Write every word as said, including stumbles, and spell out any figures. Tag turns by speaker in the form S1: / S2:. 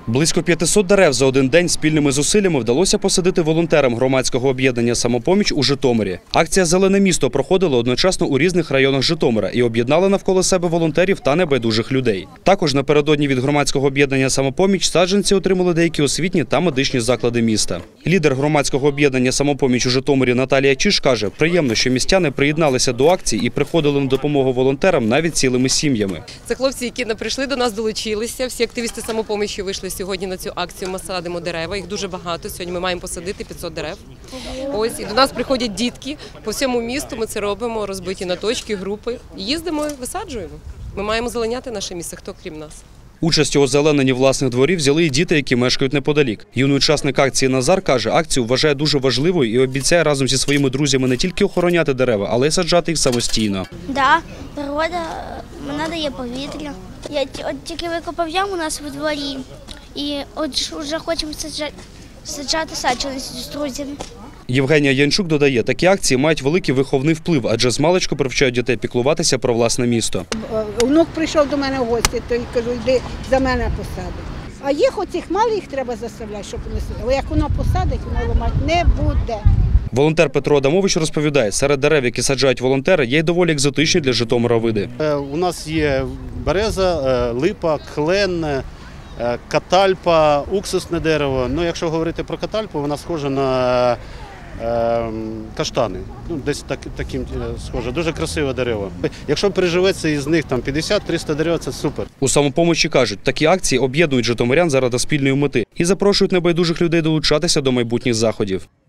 S1: Близько п'ятисот дерев за один день спільними зусиллями вдалося посадити волонтерам громадського об'єднання «Самопоміч» у Житомирі. Акція «Зелене місто» проходила одночасно у різних районах Житомира і об'єднала навколо себе волонтерів та небайдужих людей. Також напередодні від громадського об'єднання «Самопоміч» саджанці отримали деякі освітні та медичні заклади міста. Лідер громадського об'єднання «Самопоміч» у Житомирі Наталія Чиж каже, приємно, що містяни приєдналися до акції і приходили на допомогу волонтерам навіть цілими сім'ями.
S2: Це хлопці, які не прийшли до нас, долучилися. Всі активісти «Самопомічі» вийшли сьогодні на цю акцію. Ми садимо дерева, їх дуже багато. Сьогодні ми маємо посадити п'ятсот дерев. Ось, і до нас приходять дітки. По всьому місту ми це робимо, розбиті на точки, групи. Їздимо і висаджуємо. Ми маємо зеленяти наше місце, хто крім нас.
S1: Участь у озелененні власних дворів взяли і діти, які мешкають неподалік. Юний учасник акції Назар каже, акцію вважає дуже важливою і обіцяє разом зі своїми друзями не тільки охороняти дерева, але й саджати їх самостійно.
S3: Так, природа вона дає повітря. Я от тільки викопав яму у нас у дворі і от вже хочемо саджати, саджати саджанці з друзями.
S1: Євгенія Янчук додає, такі акції мають великий виховний вплив, адже змалечку привчають дітей піклуватися про власне місто.
S4: Внук прийшов до мене в гості, то й кажу, йди за мене посади. А їх оцих малих їх треба заставляти, щоб вони сиділи. Але як воно посадить, воно ламати не буде.
S1: Волонтер Петро Адамович розповідає, серед дерев, які саджають волонтери, є й доволі екзотичні для Житомира види.
S5: У нас є береза, липа, клен, катальпа, уксусне дерево. Ну, якщо говорити про катальпу, вона схожа на каштани, ну, десь так, таким схоже, дуже красиве дерево. Якщо приживеться із них там п'ятдесят-триста дерев, це супер.
S1: У «Самопомочі» кажуть, такі акції об'єднують житомирян заради спільної мети і запрошують небайдужих людей долучатися до майбутніх заходів.